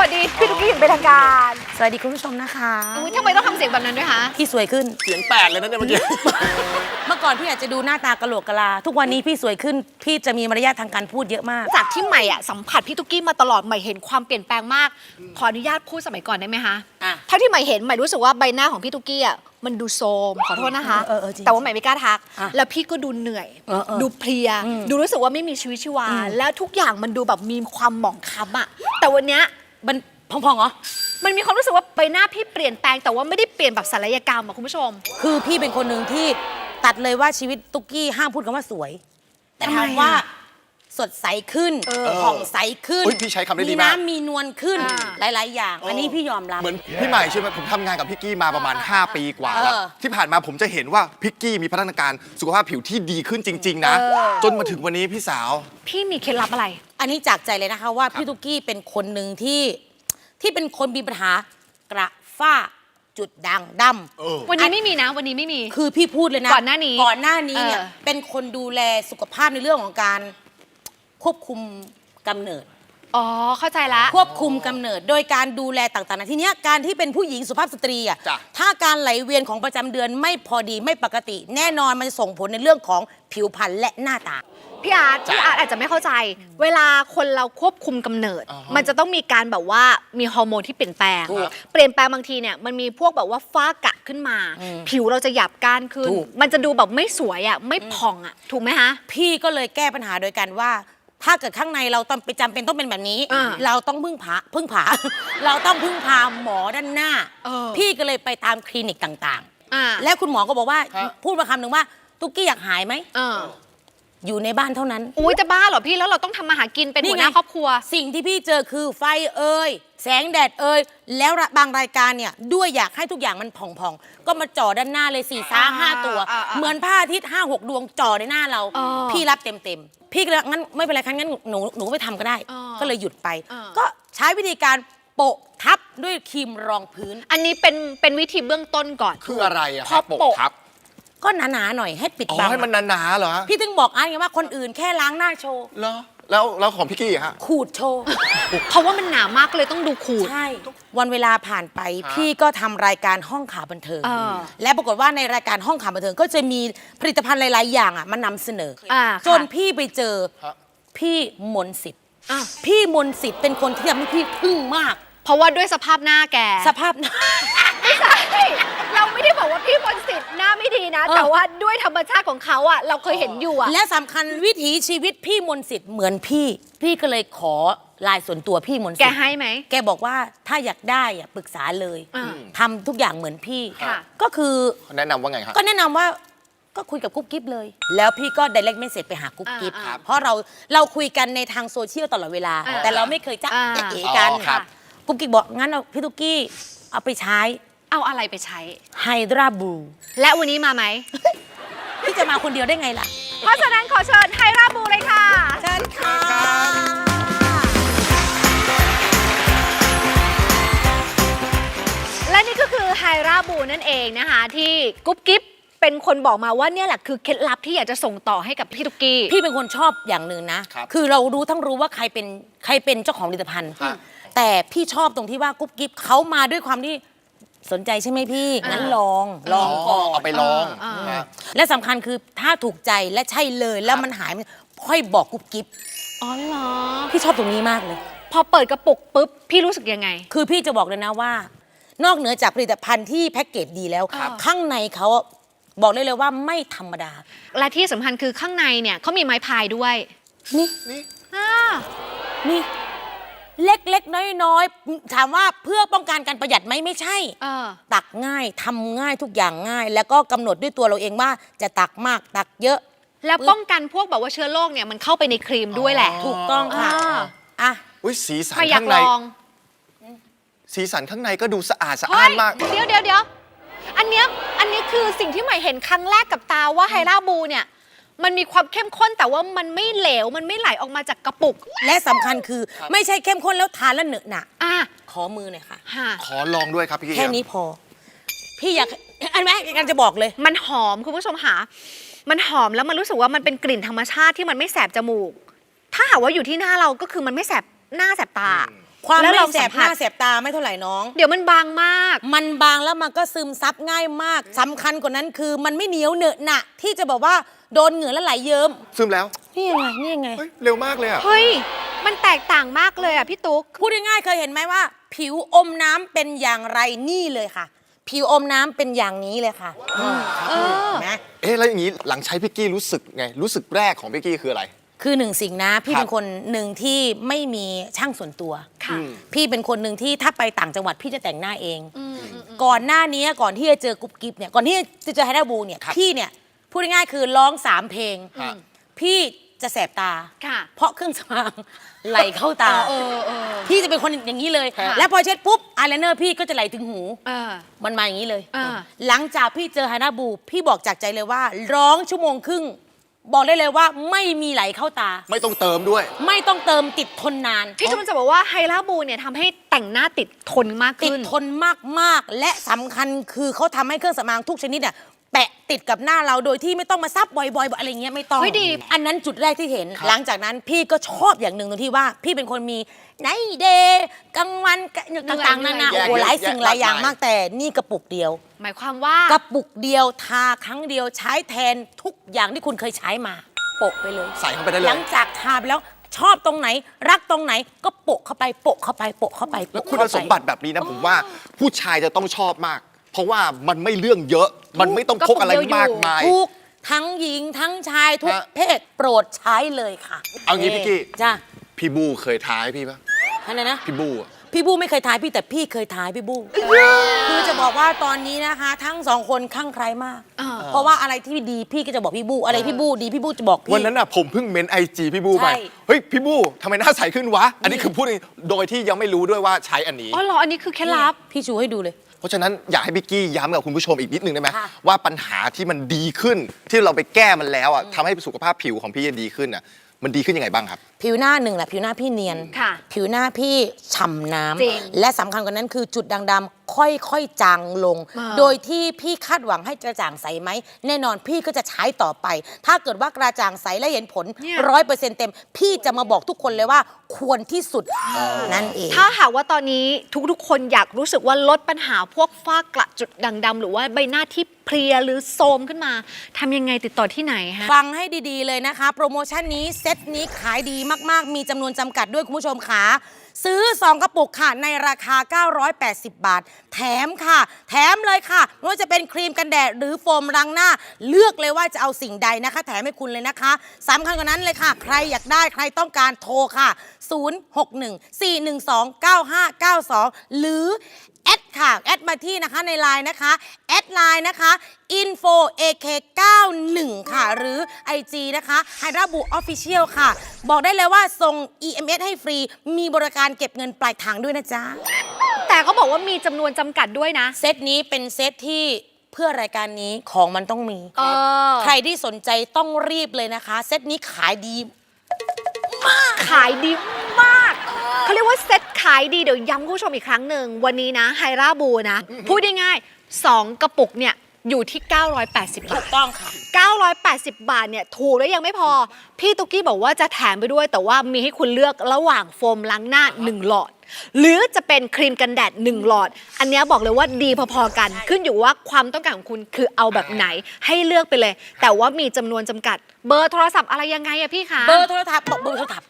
วัสดีพี่ตุ๊กกี้อย่างเป็นทางการสวัสดีคุณผู้ชมนะคะทำไมต้องทำเสียงแบบนั้นด้วยคะพี่สวยขึ้นเสียงแตกเลยนะเนี่ยเมื่อกี้เมื่อก่อนพี่อาจจะดูหน้าตากะโหลกกะลาทุกวันนี้พี่สวยขึ้นพี่จะมีมารยาททางการพูดเยอะมากจากที่ใหม่อะสัมผัสพี่ตุ๊กกี้มาตลอดใหม่เห็นความเปลี่ยนแปลงมากขออนุญาตพูดสมัยก่อนได้ไหมคะเท่าที่ใหม่เห็นใหม่รู้สึกว่าใบหน้าของพี่ตุ๊กกี้อะมันดูโทรมขอโทษนะคะแต่ว่าใหม่ไม่กล้าทักแล้วพี่ก็ดูเหนื่อยดูเพลียดูรู้สึกว่าไม่มีชีวิตชีวาแล้วทุกอย่างมันดูแบบมีความหมองคล้ำอะแต่วันเนี้ยมันพองๆเหรอมันมีความรู้สึกว่าใบหน้าพี่เปลี่ยนแปลงแต่ว่าไม่ได้เปลี่ยนแบบศัลยกรรมอะคุณผู้ชมคือพี่เป็นคนหนึ่งที่ตัดเลยว่าชีวิตตุ๊กกี้ห้ามพูดคำว่าสวยแต่ถามว่าสดใสขึ้นผ่องใสขึ้นพี่ใช้คำได้ดีมากมีน้ำมีนวลขึ้นหลายๆอย่างอันนี้พี่ยอมรับเหมือนพี่ใหม่ใช่ไหมผมทำงานกับพี่กี้มาประมาณ5 ปีกว่าแล้วที่ผ่านมาผมจะเห็นว่าพี่กี้มีพัฒนาการสุขภาพผิวที่ดีขึ้นจริงๆนะจนมาถึงวันนี้พี่สาวพี่มีเคล็ดลับอะไรอันนี้จากใจเลยนะคะว่าพี่ตุ๊กกี้เป็นคนหนึ่งที่เป็นคนมีปัญหากระฝ้าจุดด่างดำวันนี้ไม่มีนะวันนี้ไม่มีคือพี่พูดเลยนะก่อนหน้านี้เนี่ยเป็นคนดูแลสุขภาพในเรื่องของการควบคุมกำเนิดอ๋อเข้าใจละควบคุมกำเนิดโดยการดูแลต่างๆทีเนี้ยการที่เป็นผู้หญิงสุภาพสตรีอ่ะถ้าการไหลเวียนของประจำเดือนไม่พอดีไม่ปกติแน่นอนมันจะส่งผลในเรื่องของผิวพรรณและหน้าตาพี่อาร์ตอาจจะไม่เข้าใจเวลาคนเราควบคุมกำเนิดมันจะต้องมีการแบบว่ามีฮอร์โมนที่เปลี่ยนแปลงบางทีเนี่ยมันมีพวกแบบว่าฝ้ากระขึ้นมาผิวเราจะหยาบก้านขึ้นมันจะดูแบบไม่สวยอ่ะไม่ผ่องอ่ะถูกไหมคะพี่ก็เลยแก้ปัญหาโดยการว่าถ้าเกิดข้างในเราต้องไปจำเป็นต้องเป็นแบบนี้เราต้องพึ่งพาเราต้องพึ่งพาหมอด้านหน้าพี่ก็เลยไปตามคลินิกต่างๆแล้วคุณหมอก็บอกว่าพูดมาคำหนึ่งว่าตุ๊กกี้อยากหายไหมอยู่ในบ้านเท่านั้นอุ้ยจะบ้าเหรอพี่แล้วเราต้องทำมาหากินเป็นหัวหน้าครอบครัวสิ่งที่พี่เจอคือไฟแสงแดดแล้วบางรายการเนี่ยด้วยอยากให้ทุกอย่างมันผ่องๆก็มาจ่อด้านหน้าเลย4-5 ตัวเหมือนพระอาทิตย์5-6 ดวงจ่อในหน้าเราพี่รับเต็มพี่ก็เลยงั้นไม่เป็นไรงั้นหนูไปทำก็ได้ก็เลยหยุดไปก็ใช้วิธีการโปะทับด้วยครีมรองพื้นอันนี้เป็นวิธีเบื้องต้นก่อนคืออะไรอะครับโปะทับก็หนาๆหน่อยให้ปิดบังให้มันหนาๆเหรอพี่ถึงบอกไงว่าคนอื่นแค่ล้างหน้าโชว์เหรอแล้วของพี่กี้ฮะขูดโชว์เพราะว่ามันหนามากเลยต้องดูขูดใช่วันเวลาผ่านไปพี่ก็ทำรายการห้องข่าวบันเทิงและปรากฏว่าในรายการห้องข่าวบันเทิงก็จะมีผลิตภัณฑ์หลายๆอย่างมานำเสนอจนพี่ไปเจอพี่มนต์สิทธิ์พี่มนต์สิทธิ์เป็นคนที่ทำให้พี่ทึ่งมากเพราะว่าด้วยสภาพหน้าแกสภาพหน้าไม่ใช่เราไม่ได้บอกว่าพี่มนต์สิทธิ์หน้าไม่ดีนะแต่ว่าด้วยธรรมชาติของเขาอ่ะเราเคยเห็นอยู่อ่ะและสำคัญวิถีชีวิตพี่มนต์สิทธิ์เหมือนพี่ก็เลยขอไลน์ส่วนตัวพี่มนต์สิทธิ์แกให้ไหมแกบอกว่าถ้าอยากได้ปรึกษาเลยทำทุกอย่างเหมือนพี่ก็คือแนะนำว่าไงครับก็แนะนำว่าก็คุยกับกุ๊บกิ๊บเลยแล้วพี่ก็ direct message ไปหากุ๊บกิ๊บเพราะเราคุยกันในทางโซเชียลตลอดเวลาแต่เราไม่เคยจะเอ๋กันกุ๊บกิ๊บบอกงั้นเอาพี่ตุ๊กกี้เอาไปใช้เอาอะไรไปใช้ไฮดราบูและวันนี้มาไหมพี่จะมาคนเดียวได้ไงล่ะเพราะฉะนั้นขอเชิญไฮดราบูเลยค่ะเชิญค่ะและนี่ก็คือไฮดราบูนั่นเองนะคะที่กุ๊บกิ๊บเป็นคนบอกมาว่าเนี่ยแหละคือเคล็ดลับที่อยากจะส่งต่อให้กับพี่ตุ๊กกี้พี่เป็นคนชอบอย่างหนึ่งนะคือเรารู้ว่าใครเป็นเจ้าของผลิตภัณฑ์แต่พี่ชอบตรงที่ว่ากุ๊บกิ๊บเขามาด้วยความที่สนใจใช่ไหมพี่งั้นลองก่อนเอาไปลองและสำคัญคือถ้าถูกใจและใช่เลยแล้วมันหายค่อยบอกกุ๊บกิ๊บอ๋อเหรอพี่ชอบตรงนี้มากเลยพอเปิดกระปุกปุ๊บพี่รู้สึกยังไงคือพี่จะบอกเลยนะว่านอกเหนือจากผลิตภัณฑ์ที่แพ็กเกจดีแล้วข้างในเขาบอกเลยว่าไม่ธรรมดาและที่สำคัญคือข้างในเนี่ยเขามีไม้พายด้วยนี่เล็กๆน้อยๆถามว่าเพื่อป้องกันการประหยัดไหมไม่ใช่ตักง่ายทำง่ายทุกอย่างง่ายแล้วก็กำหนดด้วยตัวเราเองว่าจะตักมากตักเยอะแล้วป้องกันพวกแบบว่าเชื้อโรคเนี่ยมันเข้าไปในครีมด้วยแหละถูกต้องค่ะสีสันข้างในสีสันข้างในก็ดูสะอาดมากเดี๋ยวอันนี้คือสิ่งที่ใหม่เห็นครั้งแรกกับตาว่าไฮดราบูเนี่ยมันมีความเข้มข้นแต่ว่ามันไม่เหลวมันไม่ไหลออกมาจากกระปุกและสำคัญคือไม่ใช่เข้มข้นแล้วทานแล้วเหนอะหนะขอมือหน่อยค่ะขอลองด้วยครับพี่แค่นี้พอพี่อยากอันแรกกันจะบอกเลยมันหอมคุณผู้ชมหามันหอมแล้วมันรู้สึกว่ามันเป็นกลิ่นธรรมชาติที่มันไม่แสบจมูกถ้าหากว่าอยู่ที่หน้าเราก็คือมันไม่แสบหน้าแสบตาความแล้วไม่เราแสสับมหผัน้าสแสบตาไม่เท่าไหร่น้องเดี๋ยวมันบางมากมันบางแล้วมันก็ซึมซับง่ายมากสำคัญกว่านั้นคือมันไม่เหนียวเหนอะหนะที่จะบอกว่าโดนเหงื่อแล้วไหลเยิ้มซึมแล้วนี่ยังไงนี่ยังไงเฮ้ยเร็วมากเลยอ่ะเฮ้ย มันแตกต่างมากเลยอ่ะพี่ตุ๊กพูดง่ายๆเคยเห็นไหมว่า ผิวอมน้ำเป็นอย่างไรนี่เลยค่ะ ผิวอมน้ำเป็นอย่างนี้เลยค่ะเห็นไหมเอ๊ะแล้วอย่างนี้หลังใช้พิกกี้รู้สึกไงรู้สึกแรกของพิกกี้คืออะไรคือหนึ่งสิ่งนะพี่ครับเป็นคนหนึ่งที่ไม่มีช่างส่วนตัวค่ะพี่เป็นคนหนึ่งที่ถ้าไปต่างจังหวัดพี่จะแต่งหน้าเอง ก่อนหน้านี้ก่อนที่จะเจอกุ๊บกิ๊บเนี่ยก่อนที่จะเจอไฮด้าบูเนี่ยครับพี่เนี่ยพูดง่ายๆคือร้อง3เพลงฮะพี่จะแสบตาค่ะเพราะเครื่องสำอางไหลเข้าตาเออพี่จะเป็นคนอย่างนี้เลยค่ะแล้วพอเช็ดปุ๊บอายไลเนอร์พี่ก็จะไหลถึงหูเออมันมาอย่างนี้เลยอ่าหลังจากพี่เจอไฮด้าบูพี่บอกจากใจเลยว่า ร้องชั่วโมงครึ่ง บอกได้เลยว่าไม่มีไหลเข้าตาไม่ต้องเติมด้วยไม่ต้องเติมติดทนนานพี่ชมจะบอกว่าไฮลาบูเนี่ยทำให้แต่งหน้าติดทนมากติดขึ้นทนมากๆ และสำคัญคือเขาทำให้เครื่องสำอางทุกชนิดเนี่ยแปะติดกับหน้าเราโดยที่ไม่ต้องมาซับบ่อยๆอะไรเงี้ยไม่ต้องเฮ้ยดีอันนั้นจุดแรกที่เห็นครับหลังจากนั้นพี่ก็ชอบอย่างหนึ่งตรงที่ว่า พี่เป็นคนมีไนท์เดย์กลางวันต่างๆนานาแยกโอ้โหหลายสิ่งหลายอย่างแยกมากมากแต่นี่กระปุกเดียวหมายความว่ากระปุกเดียวทาครั้งเดียวใช้แทนทุกอย่างที่คุณเคยใช้มาโปะไปเลยใส่เข้าไปได้เลหลัยงจากทาไปแล้วชอบตรงไหน รักตรงไหนก็โปะเข้าไปโปะเข้าไปโปะเข้าไปแล้วโปะคุณเข้าไปสมบัติแบบนี้นะผมว่าผู้ชายจะต้องชอบมาก เพราะว่ามันไม่เรื่องเยอะ มันไม่ต้องพกอะไรมากมายทุกทั้งหญิงทั้งชายทุกฮะเพศโปรดใช้เลยค่ะเอางี้พี่กี้จ้าพี่บูเคยท้ายพี่ปะอะไรนะพี่บูอะพี่บูไม่เคยทายพี่แต่พี่เคยทายพี่บูคือจะบอกว่าตอนนี้นะคะ ทั้งสองคนคลั่งไคล้มาก เพราะว่าอะไรที่ดีพี่ก็จะบอกพี่บูอะไรพี่บูดีพี่บูจะบอกพี่วันนั้นอ่ะผมเพิ่งเมนไอจีพี่บูไปใช่เฮ้ยพี่บูทำไมหน้าใสขึ้นวะ อันนี้คือพูดโดยที่ยังไม่รู้ด้วยว่าใช้อันนี้อ๋อเหรออันนี้คือเคล็ดลับพี่ชูให้ดูเลยเพราะฉะนั้นอยากให้พี่กี้ย้ำกับคุณผู้ชมอีกนิดนึงได้ไหมค่ะว่าปัญหาที่มันดีขึ้น ที่เราไปแก้มันแล้วอ่ะทำให้สุขภาพผิวของพี่ดีขึ้นอ่ะมันดีขึ้นยังไงบ้างครับผิวหน้าหนึ่งแหละผิวหน้าพี่เนียนค่ะผิวหน้าพี่ฉ่ำน้จริงำและสำคัญกว่านั้นคือจุดด่างดำค่อยๆจางลงอ่าโดยที่พี่คาดหวังให้กระจ่างใสไหมแน่นอนพี่ก็จะใช้ต่อไป ถ้าเกิดว่ากระจ่างใสและเห็นผล 100%เต็ม พี่จะมาบอกทุกคนเลยว่าควรที่สุดนั่นเองถ้าหากว่าตอนนี้ทุกๆ คนอยากรู้สึกว่าลดปัญหาพวกฝ้ากระจุดด่างดำหรือว่าใบหน้าที่เพลียหรือโทรมขึ้นมาทำยังไงติดต่อที่ไหนฮะฟังให้ดีๆเลยนะคะ โปรโมชั่นนี้เซตนี้ขายดีมากๆ มีจำนวนจำกัดด้วยคุณผู้ชมค่ะซื้อ 2 กระปุกค่ะ ในราคา 980 บาท แถมค่ะ แถมเลยค่ะไม่ว่าจะเป็นครีมกันแดดหรือโฟมล้างหน้า เลือกเลยว่าจะเอาสิ่งใดนะคะ แถมให้คุณเลยนะคะสำคัญกว่านั้นเลยค่ะ ใครอยากได้ใครต้องการโทรค่ะ 061-412-9592 หรือแอดค่ะ แอดมาที่นะคะในไลน์นะคะ แอดไลน์นะคะ info ak91 ค่ะ หรือ IG นะคะ Hydrabu Official ค่ะ บอกได้เลยว่าส่ง EMS ให้ฟรี มีบริการเก็บเงินปลายทางด้วยนะจ๊ะแต่เขาบอกว่ามีจำนวนจำกัดด้วยนะเซตนี้เป็นเซตที่เพื่อรายการนี้ของมันต้องมี ใครที่สนใจต้องรีบเลยนะคะ เซตนี้ขายดีขายดีมากเขาเรียกว่าเซ็ตขายดีเดี๋ยวย้ำคุณผู้ชมอีกครั้งหนึ่งวันนี้นะไฮราบูนะพูดง่ายๆ2 กระปุกเนี่ยอยู่ที่ 980 บาถูทกต้องค่ะ 980 บาทเนี่ยถูกแล้วยังไม่พอ พี่ตุ๊กกี้บอกว่าจะแถมไปด้วย แต่ว่ามีให้คุณเลือกระหว่างโฟมล้างหน้า 1 หลอด หรือจะเป็นครีมกันแดด 1 หลอด อันเนี้ยบอกเลยว่าดีพอๆกัน ขึ้นอยู่ว่าความต้องการของคุณคือเอาแบบไหนให้เลือกไปเลย แต่ว่ามีจำนวนจำกัด เบอร์โทรศัพท์อะไรยังไงอะพี่คะเบอร์โทรศัพท์บอกเบอร์โทรศัพท์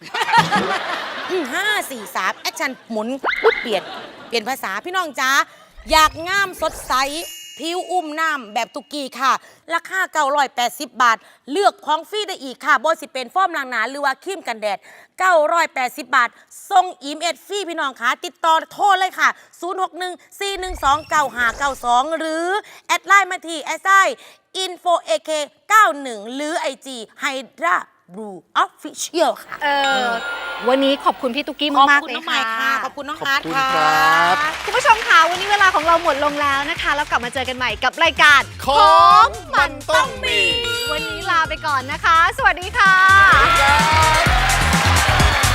543 แอคชั่นหมุนปุ๊บเปลี่ยนภาษาพี่น้องจ้าอยากงามสดใส ผิวอุ้มน้ำแบบตุกกี้ค่ะ ราคา 980 บาท เลือกของฟรีได้อีกค่ะบสิเป็นโฟมล้างหน้าหรือว่าครีมกันแดด 980 บาทส่งอีเมลฟรีพี่น้องค่ะติดต่อโทรเลยค่ะ 061-412-9592 หรือ แอดไลน์มาที่ info ak 91 หรือ IG Hydra Blue Official ค่ะวันนี้ขอบคุณพี่ตุ๊กกี้มากๆเลยขอบคุณน้องใหม่ค่ะค่ะ ขอบคุณน้องขอบฮาร์ดคุณค่ะครับคุณผู้ชมค่ะวันนี้เวลาของเราหมดลงแล้วนะคะ แล้วกลับมาเจอกันใหม่กับรายการของมันต้องมีวันนี้ลาไปก่อนนะคะ สวัสดีค่ะครับ